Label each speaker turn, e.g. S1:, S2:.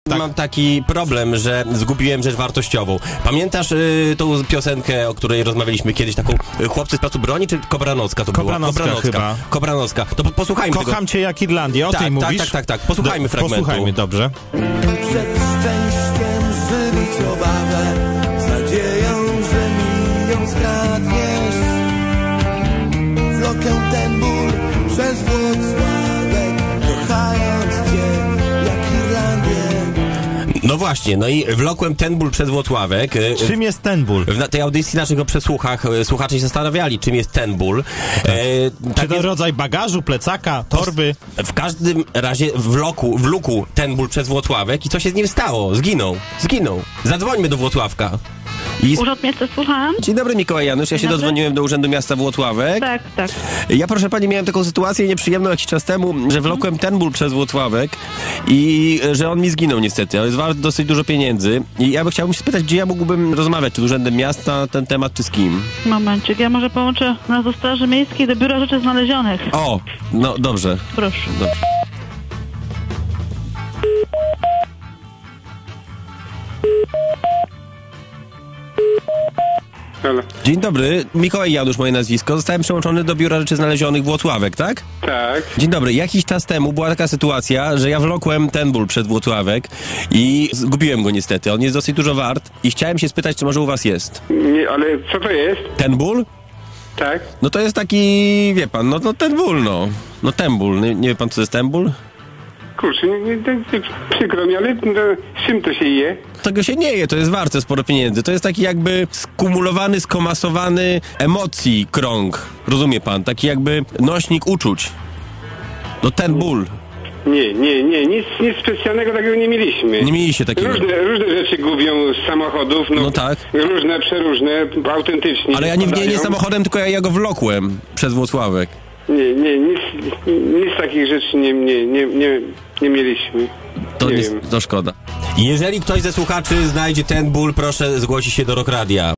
S1: Mam taki problem, że zgubiłem rzecz wartościową. Pamiętasz tą piosenkę, o której rozmawialiśmy kiedyś, taką Chłopcy z placu broni, czy Kobranocka to była?
S2: Chyba.
S1: Kobranocka. To posłuchajmy tego.
S2: Kocham cię jak Irlandię, o tej mówisz?
S1: Tak. Posłuchajmy fragmentu.
S2: Posłuchajmy, dobrze.
S3: Przed szczęściem żywić obawę, z nadzieją, że mi ją skradniesz. Wlokę ten ból przez Włocławek, kochając cię jak Irlandię.
S1: No właśnie, no i wlokłem ten ból przez Włocławek.
S2: Czym jest ten ból?
S1: W tej audycji naszych przesłuchach słuchacze się zastanawiali, czym jest ten ból.
S2: Czy to rodzaj bagażu, plecaka, torby?
S1: W każdym razie wlókł ten ból przez Włocławek i co się z nim stało? Zginął. Zadzwońmy do Włocławka.
S4: Urząd Miasta, słucham.
S1: Dzień dobry, Mikołaj Janusz. Ja się dodzwoniłem do Urzędu Miasta Włocławek.
S4: Tak.
S1: Ja, proszę pani, miałem taką sytuację nieprzyjemną jakiś czas temu, że wlokłem ten ból przez Włocławek i że on mi zginął niestety, ale jest wart dosyć dużo pieniędzy. I ja chciałbym się spytać, gdzie ja mógłbym rozmawiać, czy z Urzędem Miasta na ten temat, czy z kim?
S4: Momencik, ja może połączę nas do Straży Miejskiej, do Biura Rzeczy Znalezionych.
S1: O, no dobrze.
S4: Proszę.
S1: Dobrze.
S5: Halo.
S1: Dzień dobry, Mikołaj Janusz moje nazwisko. Zostałem przełączony do Biura Rzeczy Znalezionych Włocławek, tak?
S5: Tak.
S1: Dzień dobry, jakiś czas temu była taka sytuacja, że ja wlokłem ten ból przed Włocławek i zgubiłem go niestety. On jest dosyć dużo wart i chciałem się spytać, czy może u was jest.
S5: Nie, ale co to jest?
S1: Ten ból?
S5: Tak.
S1: No to jest taki, wie pan, no ten ból, no ten ból. Nie wie pan, co to jest ten ból?
S5: Kurczę, przykro mi, ale z czym to się je?
S1: Tego się nie je, to jest warte sporo pieniędzy. To jest taki jakby skumulowany, skomasowany emocji krąg. Rozumie pan? Taki jakby nośnik uczuć. No ten ból.
S5: Nie, nic specjalnego takiego nie mieliśmy.
S1: Nie mieliście takiego.
S5: Różne rzeczy gubią z samochodów,
S1: No tak.
S5: Różne, przeróżne, autentycznie.
S1: Ale ja nie samochodem, tylko ja go wlokłem przez Włocławek.
S5: Nie, nic takich rzeczy nie mieliśmy.
S1: To szkoda. Jeżeli ktoś ze słuchaczy znajdzie ten ból, proszę zgłosić się do Rock Radia.